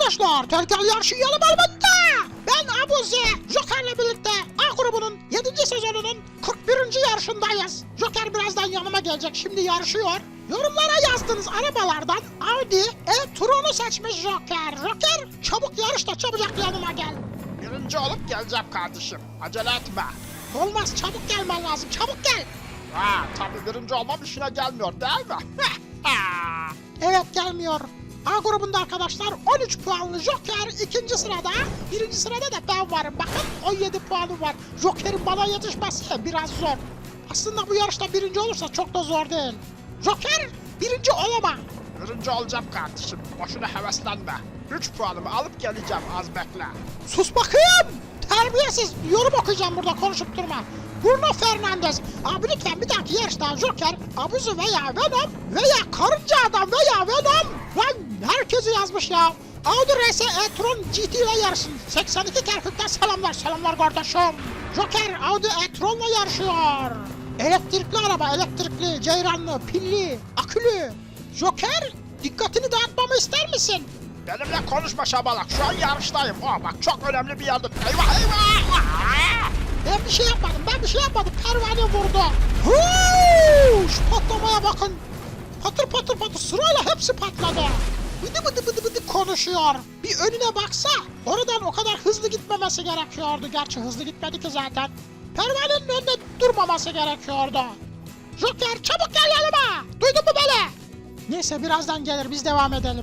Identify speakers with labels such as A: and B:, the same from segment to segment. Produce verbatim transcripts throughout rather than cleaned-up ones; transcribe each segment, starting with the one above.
A: arkadaşlar, tehlikeli yarışıyalım elbette. Ben Abuzi, Joker'le birlikte A grubunun yedinci sezonunun kırk birinci yarışındayız. Joker birazdan yanıma gelecek, şimdi yarışıyor. Yorumlara yazdığınız arabalardan Audi e-tron'u seçmiş Joker. Joker, çabuk yarış da çabucak yanıma gel.
B: Birinci olup geleceğim kardeşim. Acele etme.
A: Olmaz, çabuk gelmen lazım, çabuk gel.
B: Ha, tabii birinci olmam işine gelmiyor değil mi?
A: Evet, gelmiyor. A grubunda arkadaşlar on üç puanlı Joker ikinci sırada. Birinci sırada da ben varım. Bakın on yedi puanım var. Joker'in bana yetişmesi biraz zor. Aslında bu yarışta birinci olursa çok da zor değil. Joker birinci olama.
B: Birinci olacağım kardeşim. Boşuna heveslenme. Üç puanımı alıp geleceğim, az bekle.
A: Sus bakayım. Terbiyesiz. Yorum okuyacağım burada, konuşup durma. Bruno Fernandes. Abi lütfen bir dahaki yarışta Joker, Abuzi veya Venom veya Karınca Adam veya Venom. Lan herkesi yazmış ya. Audi R S e-tron G T ile yarışsın. seksen iki Kerkük'ten selamlar. Selamlar kardeşim. Joker Audi e-tron'la yarışıyor. Elektrikli araba, elektrikli, ceyranlı, pilli, akülü. Joker, dikkatini dağıtmamı ister misin?
B: Benimle konuşma şabalak. Şu an yarıştayım. Aa, bak çok önemli bir yerde. Eyvah eyvah.
A: Ben bir şey yapmadım, ben bir şey yapmadım. Pervane vurdu. Huu, şu patlamaya bakın. Patır patır patır sırayla hepsi patladı. Bıdı bıdı bıdı bıdı konuşuyor. Bir önüne baksa, oradan o kadar hızlı gitmemesi gerekiyordu. Gerçi hızlı gitmedi ki zaten. Pervanenin önünde durmaması gerekiyordu. Joker çabuk gel yanıma. Duydun mu beni? Neyse, birazdan gelir, biz devam edelim.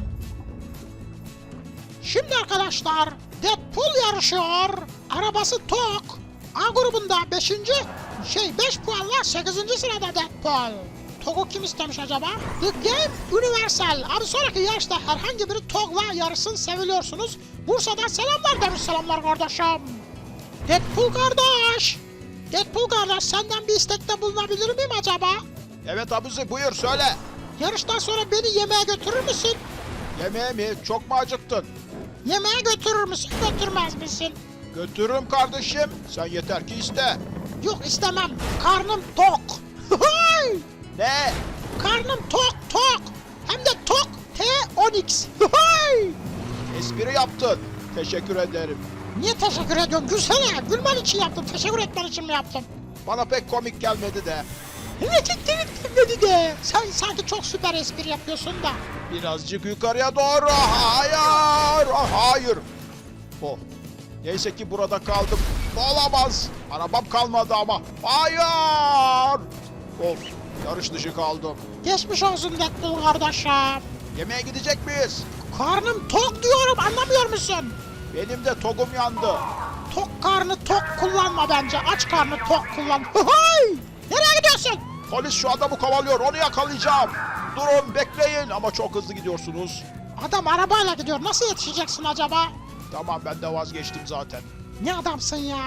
A: Şimdi arkadaşlar, Deadpool yarışıyor. Arabası tok. A grubunda beşinci şey beş puanla sekizinci sırada Deadpool. Tog'u kim istemiş acaba? The Game Universal. Abi sonraki yarışta herhangi biri Tog'la yarışsın, seviliyorsunuz. Bursa'dan selamlar demiş, selamlar kardeşim. Deadpool kardeş. Deadpool kardeş, senden bir istekte bulunabilir miyim acaba?
B: Evet Abuzi, buyur söyle.
A: Yarıştan sonra beni yemeğe götürür müsün?
B: Yemeğe mi? Çok mu acıktın?
A: Yemeğe götürür müsün, götürmez misin?
B: Götürürüm kardeşim. Sen yeter ki iste.
A: Yok, istemem. Karnım tok. Hay!
B: Ne?
A: Karnım tok tok. Hem de tok T on X. Hay!
B: Espri yaptın. Teşekkür ederim.
A: Niye teşekkür ediyorsun? Gülsene. Gülmen için yaptım. Teşekkür etmen için mi yaptım?
B: Bana pek komik gelmedi de.
A: Evet, dedi de. Sen sanki çok süper espri yapıyorsun da.
B: Birazcık yukarıya doğru. Hayır. Ah, hayır. Oh. Neyse ki burada kaldım. Olamaz. Arabam kalmadı ama. Hayır. Of. Yarış dışı kaldım.
A: Geçmiş olsun Deadpool kardeşim.
B: Yemeğe gidecek miyiz?
A: Karnım tok diyorum, anlamıyor musun?
B: Benim de togum yandı.
A: Tok karnı tok kullanma bence. Aç karnı tok kullan. Hay! Nereye gidiyorsun?
B: Polis şu adamı kovalıyor. Onu yakalayacağım. Durun, bekleyin ama çok hızlı gidiyorsunuz.
A: Adam arabayla gidiyor. Nasıl yetişeceksin acaba?
B: Tamam, ben de vazgeçtim zaten.
A: Ne adamsın ya?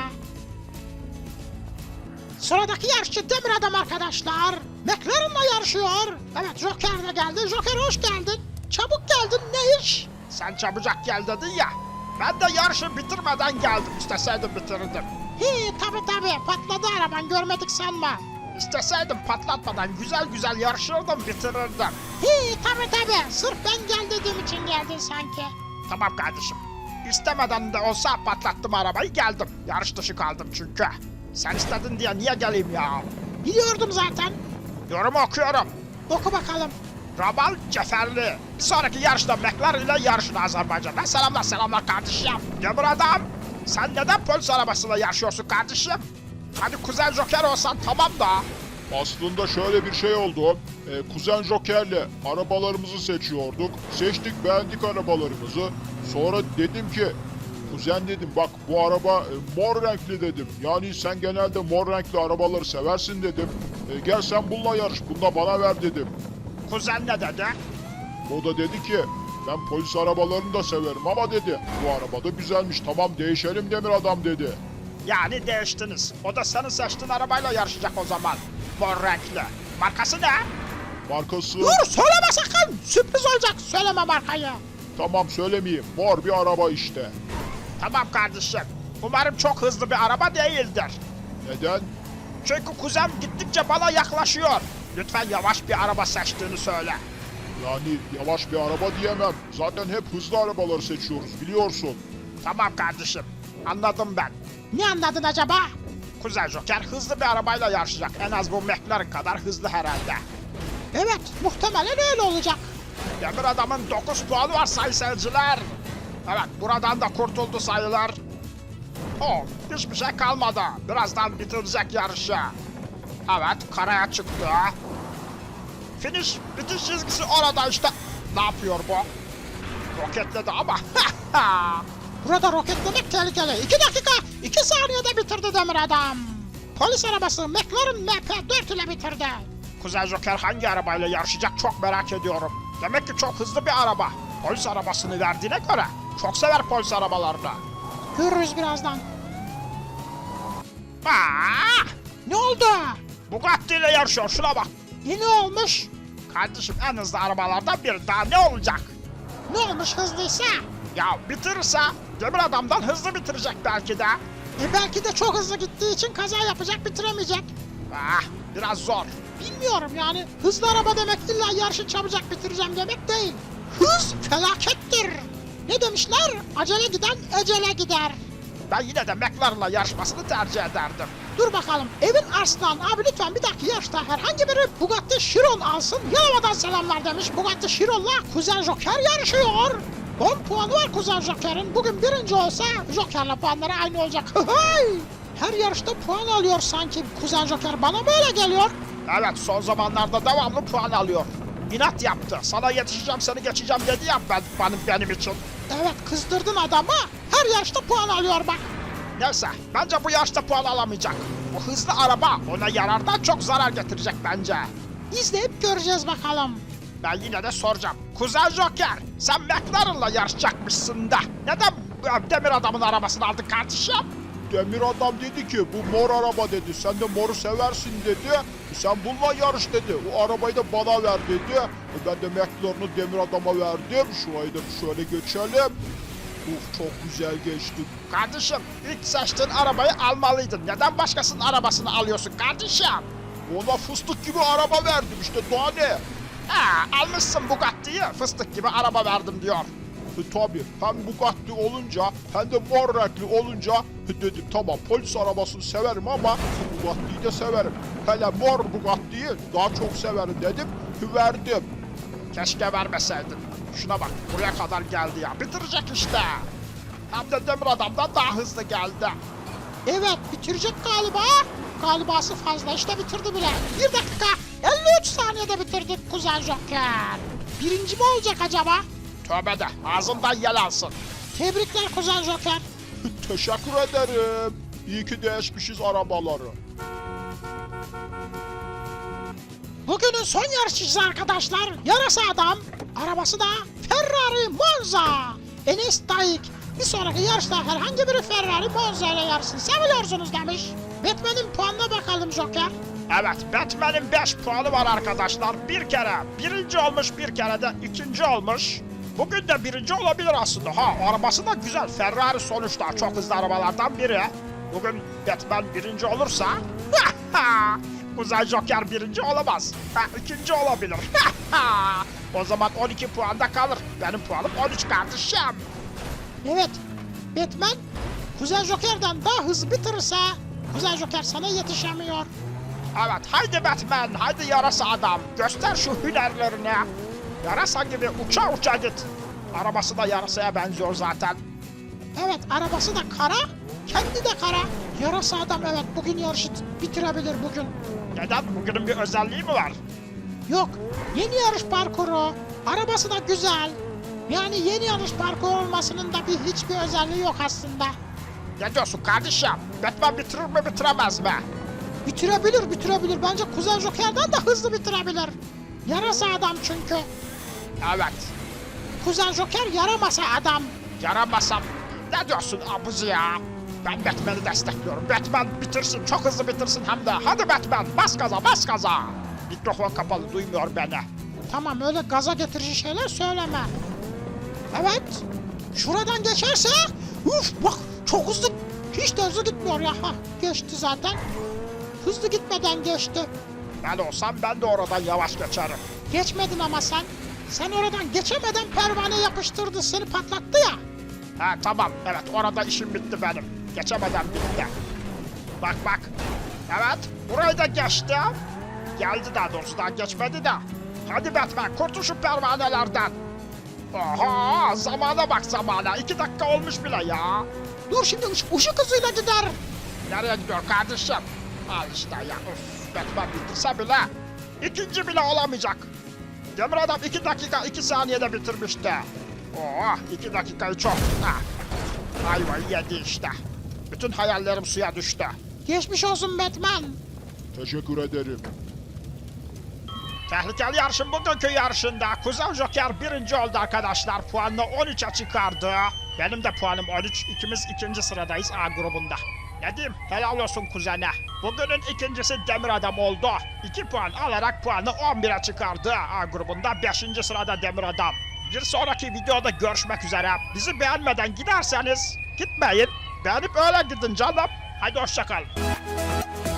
A: Sıradaki yarışçı Demir Adam arkadaşlar. McLaren'la yarışıyor. Evet, Joker de geldi. Joker hoş geldin. Çabuk geldin, ne iş?
B: Sen çabucak gel dedin ya. Ben de yarışı bitirmeden geldim. İsteseydim bitirirdim.
A: Hi tabi tabi, patladı araban, görmedik sanma.
B: İsteseydim patlatmadan güzel güzel yarışırdım, bitirirdim.
A: Hi tabi tabi, sırf ben gel dediğim için geldin sanki.
B: Tamam kardeşim. İstemeden de olsa patlattım arabayı, geldim. Yarış dışı kaldım çünkü. Sen istedin diye niye geleyim ya?
A: Biliyordum zaten.
B: Yorumu okuyorum.
A: Oku bakalım.
B: Ramal Ceferli. Bir sonraki yarışta McLaren ile yarışın Azerbaycan'da. Selamlar selamlar kardeşim. Demir Adam, sen neden polis arabasıyla yarışıyorsun kardeşim? Hani Kuzen Joker olsan tamam da.
C: Aslında şöyle bir şey oldu. Ee, Kuzen Joker'le arabalarımızı seçiyorduk. Seçtik, beğendik arabalarımızı. Sonra dedim ki, Kuzen dedim, bak bu araba e, mor renkli dedim. Yani sen genelde mor renkli arabaları seversin dedim. E, gel sen bununla yarış, bunu da bana ver dedim.
B: Kuzen ne dedi?
C: O da dedi ki, ben polis arabalarını da severim ama dedi, bu araba da güzelmiş, tamam değişelim Demir Adam dedi.
B: Yani değiştiniz. O da senin seçtiğin arabayla yarışacak o zaman. Mor renkli. Markası ne?
C: Markası...
A: Dur, söyleme sakın. Sürpriz olacak, söyleme markayı.
C: Tamam söylemeyeyim, mor bir araba işte.
B: Tamam kardeşim. Umarım çok hızlı bir araba değildir.
C: Neden?
B: Çünkü kuzen gittikçe bana yaklaşıyor. Lütfen yavaş bir araba seçtiğini söyle.
C: Yani yavaş bir araba diyemem. Zaten hep hızlı arabaları seçiyoruz biliyorsun.
B: Tamam kardeşim. Anladım ben.
A: Ne anladın acaba?
B: Kuzen Joker hızlı bir arabayla yarışacak. En az bu McLaren kadar hızlı herhalde.
A: Evet, muhtemelen öyle olacak.
B: Demir adamın dokuz puanı var sayın seyirciler. Evet, buradan da kurtuldu sayılar. Oh, hiçbir şey kalmadı. Birazdan bitirecek yarışı. Evet, karaya çıktı. Finish, bitiş çizgisi orada işte. Ne yapıyor bu? Roketledi ama.
A: Burada roketlemek tehlikeli. İki dakika, iki saniyede bitirdi Demir Adam. Polis arabası McLaren M P dört ile bitirdi.
B: Kuzen Joker hangi arabayla yarışacak çok merak ediyorum. Demek ki çok hızlı bir araba. Polis arabasını verdiğine göre çok sever polis arabalarını.
A: Görürüz birazdan.
B: Aa,
A: Ne oldu?
B: Bugatti ile yarışıyor şuna bak.
A: Yine olmuş.
B: Kardeşim en hızlı arabalardan biri daha ne olacak?
A: Ne olmuş hızlıysa?
B: Ya bitirirse Demir Adam'dan hızlı bitirecek belki de.
A: E belki de çok hızlı gittiği için kaza yapacak, bitiremeyecek.
B: Ah, biraz zor.
A: Bilmiyorum yani. Hızlı araba demek illa yarışı çabucak bitireceğim demek değil. Hız felakettir. Ne demişler? Acele giden ecele gider.
B: Ben yine de McLaren'la yarışmasını tercih ederdim.
A: Dur bakalım. Evin Arslan abi lütfen bir dahaki yarışta herhangi biri Bugatti Chiron alsın. Yalova'dan selamlar demiş. Bugatti Chiron'la Kuzen Joker yarışıyor. on puanı var Kuzen Joker'in. Bugün birinci olsa Joker'la puanları aynı olacak. Hıhıy! Her yarışta puan alıyor sanki Kuzen Joker. Bana böyle geliyor.
B: Evet, son zamanlarda devamlı puan alıyor. İnat yaptı. Sana yetişeceğim, seni geçeceğim dedi ya ben, benim, benim için.
A: Evet, kızdırdın adamı. Her yarışta puan alıyor bak.
B: Neyse, bence bu yarışta puan alamayacak. Bu hızlı araba ona yarardan çok zarar getirecek bence.
A: İzleyip göreceğiz bakalım.
B: Ben yine de soracağım. Kuzen Joker, sen McLaren'la yarışacakmışsın da. Neden bu Demir Adam'ın arabasını aldın kardeşim?
C: Demir adam dedi ki bu mor araba dedi. Sen de moru seversin dedi. Sen bununla yarış dedi. O arabayı da bana ver dedi. E ben de McLaren'ı Demir adama verdim. Şurayı da şöyle geçelim. Uf çok güzel geçti.
B: Kardeşim, ilk seçtiğin arabayı almalıydın. Neden başkasının arabasını alıyorsun kardeşim?
C: Ona fıstık gibi araba verdim işte daha ne?
B: Ha, almışsın Bugatti'yi, fıstık gibi araba verdim diyor.
C: E, tabii hem Bugatti olunca hem de mor renkli olunca e, dedim tamam polis arabasını severim ama Bugatti'yi de severim. Hele mor Bugatti'yi daha çok severim dedim verdim.
B: Keşke vermeseydin. Şuna bak, buraya kadar geldi ya. Bitirecek işte. Hem de Demir Adam'dan daha hızlı geldi.
A: Evet, bitirecek galiba. Galibası fazla, işte bitirdi bile. Bir dakika, elli üç saniyede bitirdik Kuzen Joker. Birinci mi olacak acaba?
B: Tövbe de, ağzından yel alsın.
A: Tebrikler Kuzen Joker.
C: Teşekkür ederim. İyi ki değişmişiz arabaları.
A: Bugünün son yarışçısı arkadaşlar, yarasa adam. Arabası da Ferrari Monza. Enes Dayık. Bir sonraki yarışta herhangi biri Ferrari Monza ile yarışsın. Seviyorsunuz demiş. Batman'in puanına bakalım Joker.
B: Evet, Batman'in beş puanı var arkadaşlar. Bir kere birinci olmuş, bir kere de ikinci olmuş. Bugün de birinci olabilir aslında. Ha, arabası da güzel. Ferrari sonuçta çok hızlı arabalardan biri. Bugün Batman birinci olursa... Kuzen Joker birinci olamaz. Ha, ikinci olabilir. O zaman on iki puanda kalır. Benim puanım on üç kardeşim.
A: Evet, Batman Kuzen Joker'den daha hızlı bitirirse Kuzen Joker sana yetişemiyor.
B: Evet, haydi Batman, haydi yarasa adam. Göster şu hünerlerini. Yarasa gibi uça uça git. Arabası da yarasaya benziyor zaten.
A: Evet, arabası da kara, kendi de kara. Yarasa adam evet bugün yarışı bitirebilir bugün.
B: Neden? Bugünün bir özelliği mi var?
A: Yok, yeni yarış parkuru, arabası da güzel. Yani yeni yarış parkuru olmasının da bir hiçbir özelliği yok aslında.
B: Ne diyorsun kardeşim? Batman bitirir mi bitiremez mi?
A: Bitirebilir, bitirebilir. Bence Kuzen Joker'den de hızlı bitirebilir. Yarasa adam çünkü.
B: Evet.
A: Kuzen Joker yaramasa adam.
B: Yaramasam. Ne diyorsun abuzi ya? Ben Batman'i destekliyorum. Batman bitirsin, çok hızlı bitirsin hem de. Hadi Batman, bas gaza, bas gaza. Mikrofon kapalı, duymuyor beni.
A: Tamam, öyle gaza getirici şeyler söyleme. Evet. Şuradan geçerse, uf bak çok hızlı. Hiç de hızlı gitmiyor ya. Hah, geçti zaten. Hızlı gitmeden geçti.
B: Ben olsam ben de oradan yavaş geçerim.
A: Geçmedin ama sen. Sen oradan geçemeden pervane yapıştırdı, seni patlattı ya.
B: Ha tamam, evet orada işim bitti benim. Geçemeden bitti. Bak bak. Evet, burayı da geçti. Geldi daha doğrusu, daha geçmedi de. Hadi Batman, kurtul şu pervanelerden. Oha, zamana bak zamana. İki dakika olmuş bile ya.
A: Dur şimdi ış- ışık hızıyla gider.
B: Nereye gidiyor kardeşim? Al işte ya. Of, Batman bitirse bile. İkinci bile olamayacak. Demir adam iki dakika iki saniyede bitirmişti. Oh, iki dakikayı çok. Ha. Ayvayı yedi işte. Bütün hayallerim suya düştü.
A: Geçmiş olsun Batman.
C: Teşekkür ederim.
B: Tehlikeli yarışın bugünkü yarışında Kuzen Joker birinci oldu arkadaşlar. Puanını on üçe çıkardı. Benim de puanım on üç. İkimiz ikinci sıradayız A grubunda. Ne diyeyim? Helal olsun kuzene. Bugünün ikincisi Demir Adam oldu. iki puan alarak puanı on bire çıkardı A grubunda. beşinci sırada Demir Adam. Bir sonraki videoda görüşmek üzere. Bizi beğenmeden giderseniz gitmeyin. Beğenip öyle gidin canım. Hadi hoşçakalın.